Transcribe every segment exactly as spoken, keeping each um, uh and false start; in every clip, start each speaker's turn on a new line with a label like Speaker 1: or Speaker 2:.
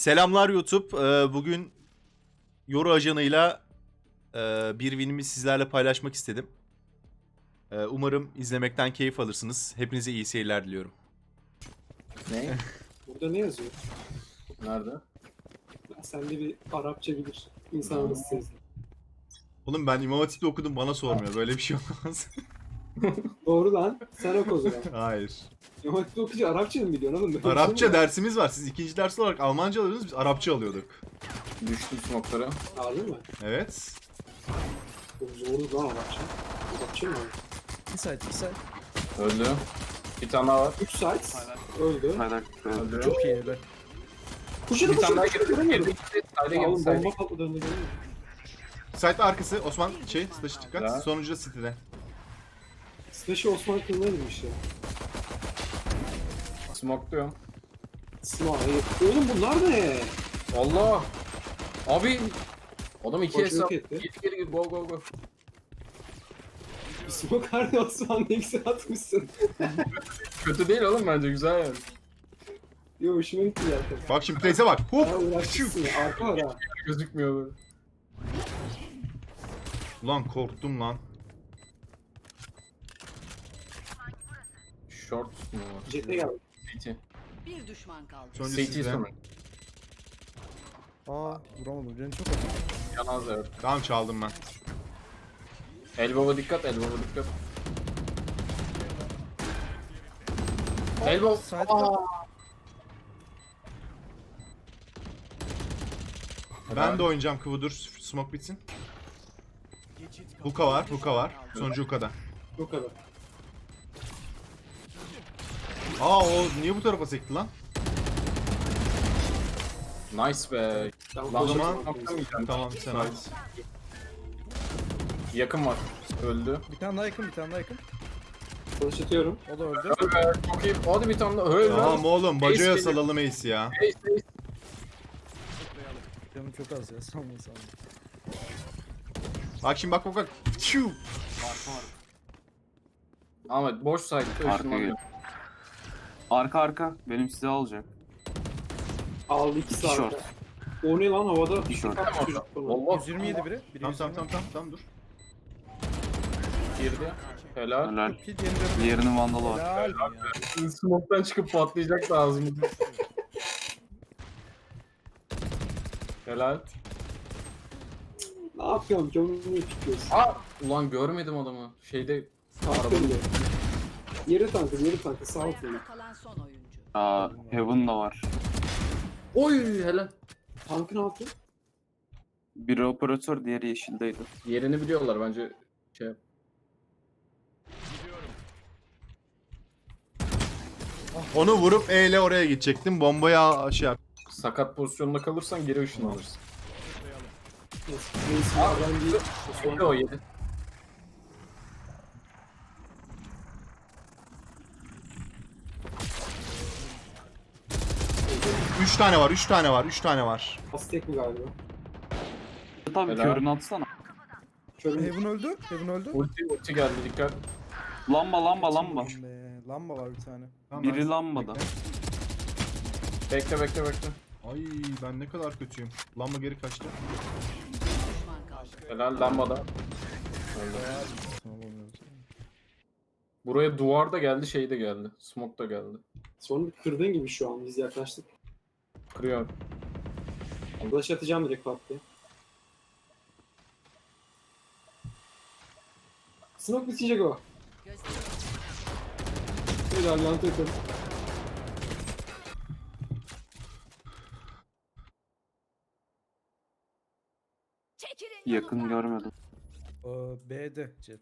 Speaker 1: Selamlar YouTube. Ee, Bugün Yoru ajanıyla e, bir winimi sizlerle paylaşmak istedim. Ee, Umarım izlemekten keyif alırsınız. Hepinize iyi seyirler diliyorum.
Speaker 2: Ne?
Speaker 3: Burada ne yazıyor?
Speaker 2: Nerede?
Speaker 3: Ya sen de bir Arapça bilir. İnsan arası sezdi.
Speaker 1: Oğlum ben İmam Hatip'te okudum, bana sormuyor. Böyle bir şey olmaz.
Speaker 3: Doğru lan. Sen oku o zaman.
Speaker 1: Hayır.
Speaker 3: İmam Hatip'te okuyunca Arapça mı biliyorsun oğlum? Böyle bir şey
Speaker 1: Arapça
Speaker 3: mi var?
Speaker 1: dersimiz var. Siz ikinci ders olarak Almanca alıyordunuz, biz Arapça alıyorduk.
Speaker 2: Düştüm smoke'lara.
Speaker 3: Harbi mi?
Speaker 1: Evet.
Speaker 3: Çok zordu lan Arapça. Arapça mı?
Speaker 4: İki side, iki side.
Speaker 2: Öldü. Bir tane daha var.
Speaker 3: üç sites. Öldü.
Speaker 2: Öldü.
Speaker 4: Çok iyi be.
Speaker 3: Kuşunu
Speaker 2: Bir tane
Speaker 3: kuşunu
Speaker 2: daha
Speaker 3: kuşunu
Speaker 2: girdi.
Speaker 3: göremiyorum.
Speaker 2: Girdi gitti. Sayda
Speaker 3: Ya
Speaker 2: girdi.
Speaker 3: oğlum
Speaker 2: Sayda
Speaker 3: bomba patladı önünde göremiyorum.
Speaker 1: Site arkası Osman şey, slash dikkat.
Speaker 2: Güzel.
Speaker 1: Sonuncu da City'de.
Speaker 3: Slash'ı Osman kılına girmiş ya.
Speaker 2: Smoke diyorum.
Speaker 3: Sınav. Oğlum bunlar ne?
Speaker 2: Allah! Abi! Adam iki
Speaker 3: Koç
Speaker 2: hesap.
Speaker 3: yok
Speaker 2: Geri
Speaker 3: etti.
Speaker 2: geri geri. Go go go.
Speaker 3: Smoke harbi Osman ne güzel atmışsın.
Speaker 2: Kötü değil oğlum bence. Güzel yani.
Speaker 3: Yo hoşuma gitti zaten.
Speaker 1: Bak şimdi Place'e bak.
Speaker 3: Ha
Speaker 1: Hop.
Speaker 3: uğraşmışsın ya. Arka var ha.
Speaker 2: Gözükmüyor böyle.
Speaker 1: Ulan korktum lan.
Speaker 2: Short mu var?
Speaker 3: Jet'e geldi.
Speaker 2: C T.
Speaker 5: Bir düşman kaldı.
Speaker 1: Sonuncu
Speaker 2: C T
Speaker 1: City'de.
Speaker 2: sonu.
Speaker 4: Aa, vuramadım. Canım çok acı.
Speaker 2: Yanaz evet.
Speaker 1: Tamam, çaldım ben.
Speaker 2: Elbow'a dikkat, elbow'a dikkat. Elbow.
Speaker 4: Side'da.
Speaker 1: Ben de oynayacağım Kıvıdır. Smoke bitsin. Hookah var, hookah var. Sonuncu hookah'da.
Speaker 3: Bu kadar.
Speaker 1: Aa, o niye bu tarafa sekti lan?
Speaker 2: Nice be.
Speaker 3: Ben
Speaker 2: Lan
Speaker 1: O zaman
Speaker 2: Smoke'tan
Speaker 1: tamam, sen ait.
Speaker 2: Yakın var. Öldü.
Speaker 4: Bir tane daha yakın, bir tane daha yakın.
Speaker 3: Flash atıyorum.
Speaker 4: O da öldü.
Speaker 2: Öl be. Çok iyi. Hadi bir tane daha. Öl
Speaker 1: Tamam
Speaker 2: lan.
Speaker 1: oğlum,
Speaker 2: Ace
Speaker 1: Baco'ya
Speaker 2: geliyor.
Speaker 1: salalım Ace ya.
Speaker 2: Ace, ace.
Speaker 4: Canım çok az ya. Sanma sanma.
Speaker 1: Bak şimdi, bak bak bak. Çiu.
Speaker 2: Ahmet boş saydı.
Speaker 6: Arka gel. Arka arka. Benim size alacak.
Speaker 3: Aldı iki
Speaker 6: İki
Speaker 3: saat.
Speaker 6: short.
Speaker 3: O ne lan havada?
Speaker 6: Bir short.
Speaker 3: Kaç çocuk falan.
Speaker 2: Allah
Speaker 4: yüz yirmi yedi biri. Biri
Speaker 1: Tamam
Speaker 4: yüz
Speaker 1: tamam
Speaker 4: yirmi.
Speaker 1: tamam tamam tamam dur.
Speaker 2: girdi. Helal.
Speaker 6: Helal.
Speaker 4: Ki diğerinde bir
Speaker 6: Diğerinin vandalı var.
Speaker 4: helal ya.
Speaker 2: Smoke'tan çıkıp patlayacak da ağzımda. Helal.
Speaker 3: Ne yapıyorsun? Canını niye tutuyorsun?
Speaker 2: Aa! Ulan görmedim adamı. Şeyde
Speaker 3: Tankın de. Yeri tankı, yeri tankı. Sağ altında.
Speaker 5: Ayakta kalan son oyuncu.
Speaker 6: Aa, Heaven da var.
Speaker 2: Oy helal.
Speaker 3: Tankın altı.
Speaker 6: Biri operatör, diğeri yeşildeydi.
Speaker 2: Yerini biliyorlar bence. Şey yap.
Speaker 1: Onu vurup E ile oraya gidecektim. Bombaya şey yap.
Speaker 2: Sakat pozisyonda kalırsan geri ışınlanırsın.
Speaker 3: Neyse ya ben bir...
Speaker 2: Yedi o yedi.
Speaker 1: Üç tane var, üç tane var, üç tane var.
Speaker 3: Aztek mi galiba?
Speaker 6: Tabii
Speaker 2: Helal.
Speaker 6: körünü atsana.
Speaker 3: Körüm.
Speaker 4: Heaven öldü. Heaven öldü.
Speaker 2: Ulti ulti geldi dikkat.
Speaker 6: Lamba lamba lamba.
Speaker 4: Be, lamba var bir tane.
Speaker 1: Tamam,
Speaker 6: Biri
Speaker 1: ben-
Speaker 6: lambada.
Speaker 2: Bekle bekle bekle.
Speaker 1: Ay, ben ne kadar kötüyüm. Lamba geri kaçtı.
Speaker 5: Düşman kaldı.
Speaker 2: Helal lambada. Öldü.
Speaker 4: Tamam olmuyor.
Speaker 2: Buraya duvar da geldi şey de geldi. Smoke da geldi.
Speaker 3: Sonra kırdığın gibi şu an biz yaklaştık.
Speaker 2: Kırıyor.
Speaker 3: Flash atacağım direkt pat diye. Smoke bitecek o.
Speaker 5: Gösteriyorum.
Speaker 3: Helal lan takım.
Speaker 5: Çekilin
Speaker 6: Yakın görmedim.
Speaker 4: Ee, B'de Jet.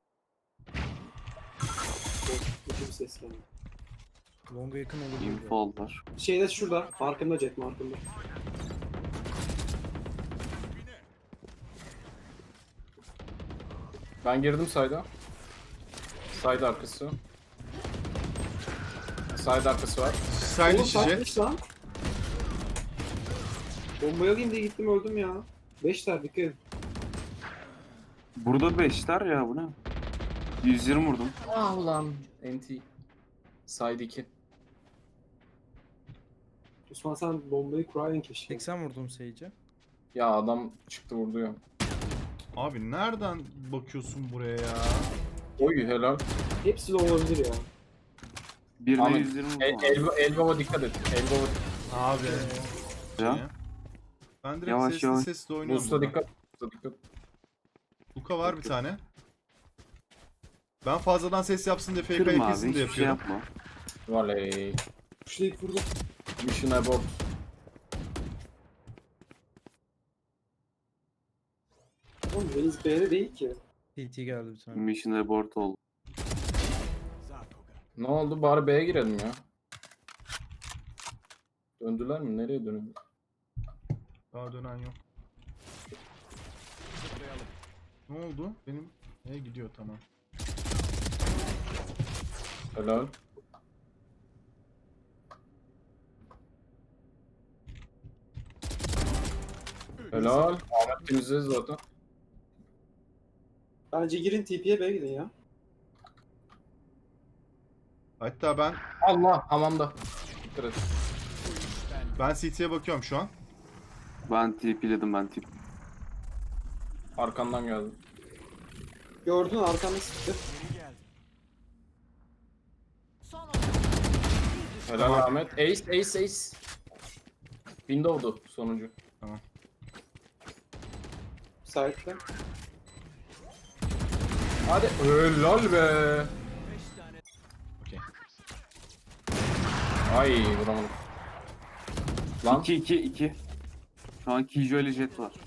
Speaker 3: Kötü bir ses geldi.
Speaker 4: Long'a yakın olur.
Speaker 6: Info aldılar.
Speaker 3: Şeyde şurada. Farkında Jet markında.
Speaker 2: Ben girdim sayda. Sayda arkası. Sayda arkası var.
Speaker 1: Side
Speaker 3: Oğlum
Speaker 1: işi jet.
Speaker 3: takmış lan. Bombayı alayım diye gittim öldüm ya. Beşler dikkat edin.
Speaker 6: Burada beşler ya, bu ne? yüz yirmi vurdum.
Speaker 2: Ah ulan. N T. Side iki.
Speaker 3: Osman sen bombayı kuraydın keşke.
Speaker 4: seksen vurdum Sage'e.
Speaker 2: Ya adam çıktı vurdu ya.
Speaker 1: Abi nereden bakıyorsun buraya ya?
Speaker 2: Oy helal.
Speaker 3: Hepsi de olabilir ya.
Speaker 6: Birine
Speaker 2: Ahmet,
Speaker 6: yüz yirmi vurdum.
Speaker 2: El,
Speaker 6: abi.
Speaker 2: el, el baba dikkat et. El baba
Speaker 1: Abi.
Speaker 6: Ya.
Speaker 1: Şeye. Ben direkt
Speaker 6: Yavaş,
Speaker 1: sesli
Speaker 6: yavaş.
Speaker 1: sesli oynuyorum.
Speaker 2: Boost'a
Speaker 1: burada.
Speaker 2: dikkat. Boost'a dikkat.
Speaker 1: Luka var bir tane. Ben fazladan ses yapsın diye fake
Speaker 6: Kırma
Speaker 1: ayak
Speaker 6: abi
Speaker 1: yesin diye
Speaker 6: hiçbir şey
Speaker 1: yapıyorum.
Speaker 6: yapma.
Speaker 2: Valey.
Speaker 3: Kuşlayıp vurdum.
Speaker 2: Mission abort.
Speaker 3: Oğlum Reis B'de değil ki.
Speaker 4: T T geldi bir tane.
Speaker 6: Mission abort oldu.
Speaker 2: Ne oldu? Bari B'ye girelim ya. Döndüler mi? Nereye dönüyor?
Speaker 1: Daha dönen yok. Ne oldu? Benim neye gidiyor tamam.
Speaker 2: Helal. Helal. Ahmet temizledi zaten.
Speaker 3: Bence girin T P'ye B'ye gidin ya.
Speaker 1: Hatta ben
Speaker 2: Allah hamamda. Dikkat et.
Speaker 1: ben C T'ye bakıyorum şu an.
Speaker 6: Ben TP'ledim ben tip.
Speaker 2: Arkandan geldi.
Speaker 3: Gördün arkanda sıktı.
Speaker 5: Son oyuncu.
Speaker 2: Helal
Speaker 1: Tamam.
Speaker 2: Ahmet. Ace, ace, ace. Window'du sonuncu.
Speaker 3: Sahipte.
Speaker 2: Hadi. Helal be.
Speaker 1: Okey.
Speaker 2: Ay vuramadım. Lan.
Speaker 6: iki iki iki. Şu an Kijo ile Jet var.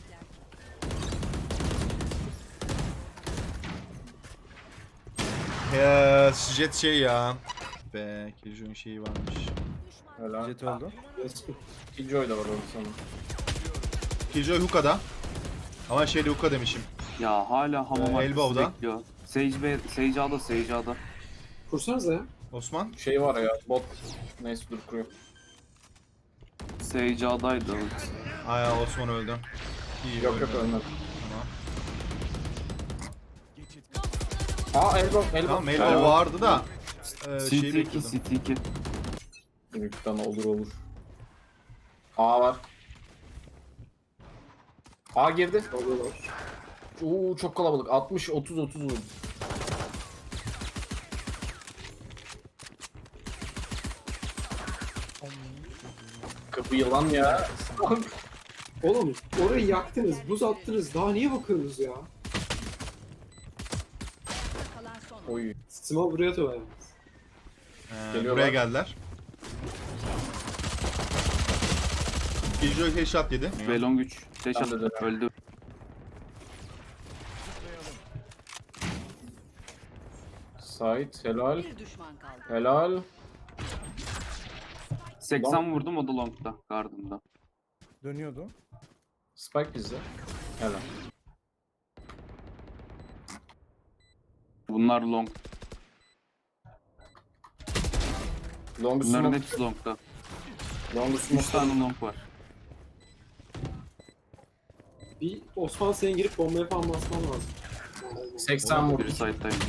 Speaker 1: Ya Jet şey ya. Be Killjoy'un şeyi varmış.
Speaker 2: Helal.
Speaker 4: Jet öldü.
Speaker 2: Killjoy da var orada sanırım.
Speaker 1: Killjoy hookah'da. Ama şeyde hookah demişim.
Speaker 6: Ya hala hamam
Speaker 1: Ee,
Speaker 6: arkası
Speaker 1: Elbow'da.
Speaker 6: bekliyor. Sage B, Sage A'da, Sage A'da.
Speaker 3: Kursanıza ya.
Speaker 1: Osman.
Speaker 2: Şey var ya bot. Neyse dur kuruyor.
Speaker 6: Sage A'daydı.
Speaker 1: Ay Osman öldü. İyi
Speaker 2: Yok yok
Speaker 1: ölmedi.
Speaker 2: ölmedi.
Speaker 1: Tamam.
Speaker 2: Aa elbow elbow.
Speaker 1: Tamam elbow vardı da. E, şeyi
Speaker 6: City iki,
Speaker 1: bekliyordum.
Speaker 6: City iki.
Speaker 2: Büyükten olur olur. A var. A girdi.
Speaker 3: Alıyorlar.
Speaker 2: Oo çok kalabalık. altmış otuz otuz vurdu. Kapı yılan ya.
Speaker 3: Oğlum orayı yaktınız, buz attınız. Daha niye bakıyorsunuz ya?
Speaker 5: Kalan son oyuncu.
Speaker 2: Oy.
Speaker 3: Sima buraya da yalnız.
Speaker 1: Ee,
Speaker 2: Geliyorlar.
Speaker 1: buraya geldiler. Killjoy headshot yedi.
Speaker 6: Belong üç. Dash
Speaker 2: Ben de
Speaker 6: attı.
Speaker 2: dönem.
Speaker 6: Öldü.
Speaker 2: Sait helal.
Speaker 5: Bir düşman kaldı.
Speaker 2: Helal.
Speaker 6: seksen vurdum o da long'da. Garden'da.
Speaker 4: Dönüyordu.
Speaker 2: Spike bizde. Helal.
Speaker 6: Bunlar long.
Speaker 2: Long
Speaker 6: Bunların
Speaker 2: smoke.
Speaker 6: hepsi long'da.
Speaker 2: Long
Speaker 6: üç
Speaker 2: smoke.
Speaker 6: tane long var.
Speaker 3: Bir Osman senin girip bombaya falan basman lazım.
Speaker 2: seksen vurdu.
Speaker 6: Biri side'daymış.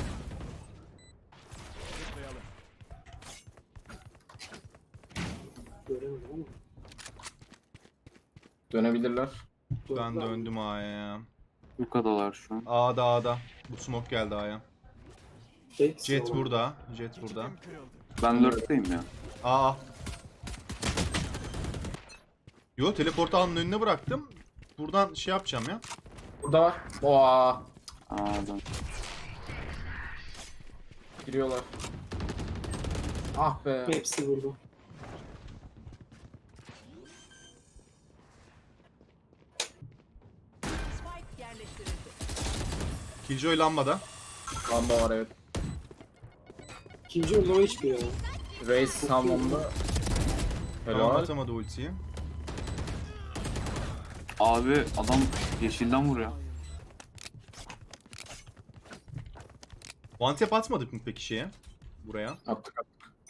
Speaker 3: Göremedim ama.
Speaker 2: Dönebilirler.
Speaker 1: Ben
Speaker 3: Döndüler.
Speaker 1: döndüm A'ya ya.
Speaker 6: Bu kadarlar şu an.
Speaker 1: A'da A'da. Bu smoke geldi A'ya.
Speaker 3: Tek
Speaker 1: Jet
Speaker 3: sağlam.
Speaker 1: burada. Jet burada.
Speaker 6: Ben lurk'tayım ya.
Speaker 1: Aa. Yo teleportu A'nın önüne bıraktım. Buradan şey yapacağım ya.
Speaker 2: Burada var. Oha.
Speaker 6: Aa, dön.
Speaker 2: Giriyorlar. Ah be.
Speaker 3: Hepsi burada.
Speaker 5: Spike yerleştirildi.
Speaker 1: Killjoy lambada.
Speaker 2: Lamba var evet.
Speaker 3: İkinci orada hiç bir ya.
Speaker 2: Raze samamda.
Speaker 1: Tamam
Speaker 2: Helal.
Speaker 1: atamadı ultiyi.
Speaker 6: Abi adam yeşilden vuruyor.
Speaker 1: One tap atmadık mı peki şeye? Buraya.
Speaker 2: Attık attık.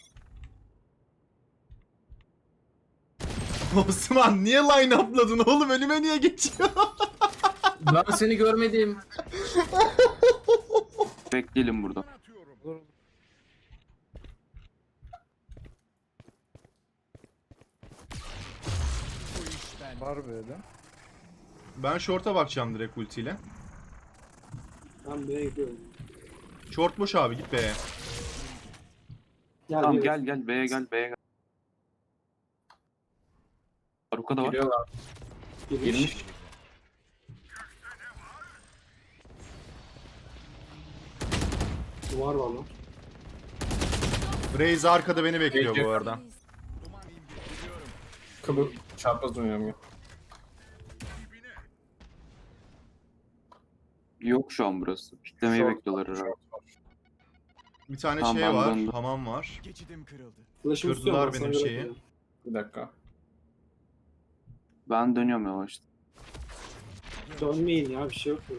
Speaker 1: Osman niye line up'ladın oğlum? Önüme niye geçiyor?
Speaker 2: Ben seni görmedim.
Speaker 6: Bekleyelim burada.
Speaker 4: Olur. Var böyle.
Speaker 1: Ben short'a bakacağım direkt ultiyle.
Speaker 3: Ben B'ye gidiyorum.
Speaker 1: Short boş abi, git be.
Speaker 3: Gel
Speaker 6: Tamam
Speaker 3: B'ye.
Speaker 6: gel gel B'ye gel B'ye gel. Aruka da var.
Speaker 2: Geliyorlar.
Speaker 3: Girmiş.
Speaker 2: Girmiş.
Speaker 3: Duvar var lan.
Speaker 1: Raze arkada beni bekliyor
Speaker 2: Peki.
Speaker 1: bu arada.
Speaker 2: Kıbır. Çarpaz oynuyorum ya.
Speaker 6: Yok şu an burası. Piklemeyi
Speaker 2: Short
Speaker 6: bekliyorlar
Speaker 2: var,
Speaker 6: herhalde.
Speaker 2: short var.
Speaker 1: Bir tane
Speaker 6: Tamam,
Speaker 1: şey
Speaker 6: ben
Speaker 1: var,
Speaker 6: döndüm.
Speaker 1: hamam var.
Speaker 3: Flash'ımı
Speaker 1: Kırdılar
Speaker 3: tutuyorum,
Speaker 1: benim
Speaker 3: sana göre
Speaker 1: şeyi.
Speaker 3: atacağım.
Speaker 2: Bir dakika.
Speaker 6: Ben dönüyorum yavaş.
Speaker 3: Dönmeyin ya, bir şey yok burada.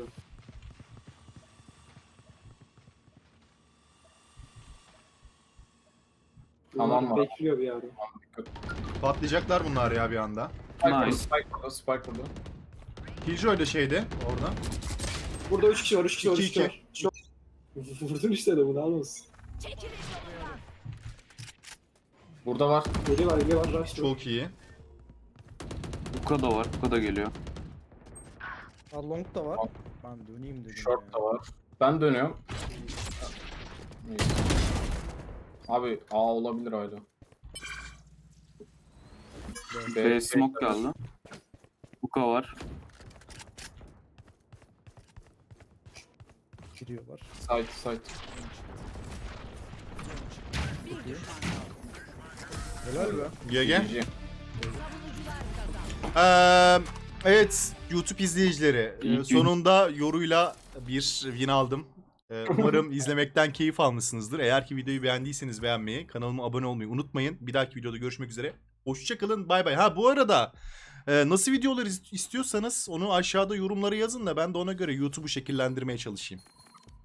Speaker 2: Tamam
Speaker 3: Bunlar
Speaker 2: var.
Speaker 3: bekliyor bir yerde.
Speaker 1: Patlayacaklar bunlar ya bir anda.
Speaker 2: Spike burada,
Speaker 6: Nice.
Speaker 2: Spike burada, Spike burada.
Speaker 1: Killjoy da şeyde, orada.
Speaker 3: Burada üç kişi var, üç kişi var, üç
Speaker 1: İki,
Speaker 3: kişi var. Çok... Vurdun işte de bunu almasın.
Speaker 5: Çekilin yolumdan.
Speaker 2: Burada var.
Speaker 3: Geliyor var, geliyor var, rush.
Speaker 1: Çok iyi.
Speaker 6: Uka da var. Uka da geliyor.
Speaker 4: Ha, long da var.
Speaker 2: Al.
Speaker 4: Ben döneyim dedim
Speaker 2: Short
Speaker 4: ya.
Speaker 2: da var. Ben dönüyorum. Neyse. Abi A olabilir hala.
Speaker 6: B smoke geldi. Uka var.
Speaker 4: Giriyorlar.
Speaker 2: Side side.
Speaker 5: Bir düşman kaldı.
Speaker 4: Helal be.
Speaker 1: G G.
Speaker 2: G G.
Speaker 5: Savunucular kazandı.
Speaker 1: Eee, evet YouTube izleyicileri,
Speaker 6: İyi
Speaker 1: e,
Speaker 6: gün.
Speaker 1: sonunda yoruyla bir win aldım. E, umarım izlemekten keyif almışsınızdır. Eğer ki videoyu beğendiyseniz beğenmeyi, kanalıma abone olmayı unutmayın. Bir dahaki videoda görüşmek üzere. Hoşçakalın, bay bay. Ha bu arada e, nasıl videolar is- istiyorsanız onu aşağıda yorumlara yazın da ben de ona göre YouTube'u şekillendirmeye çalışayım.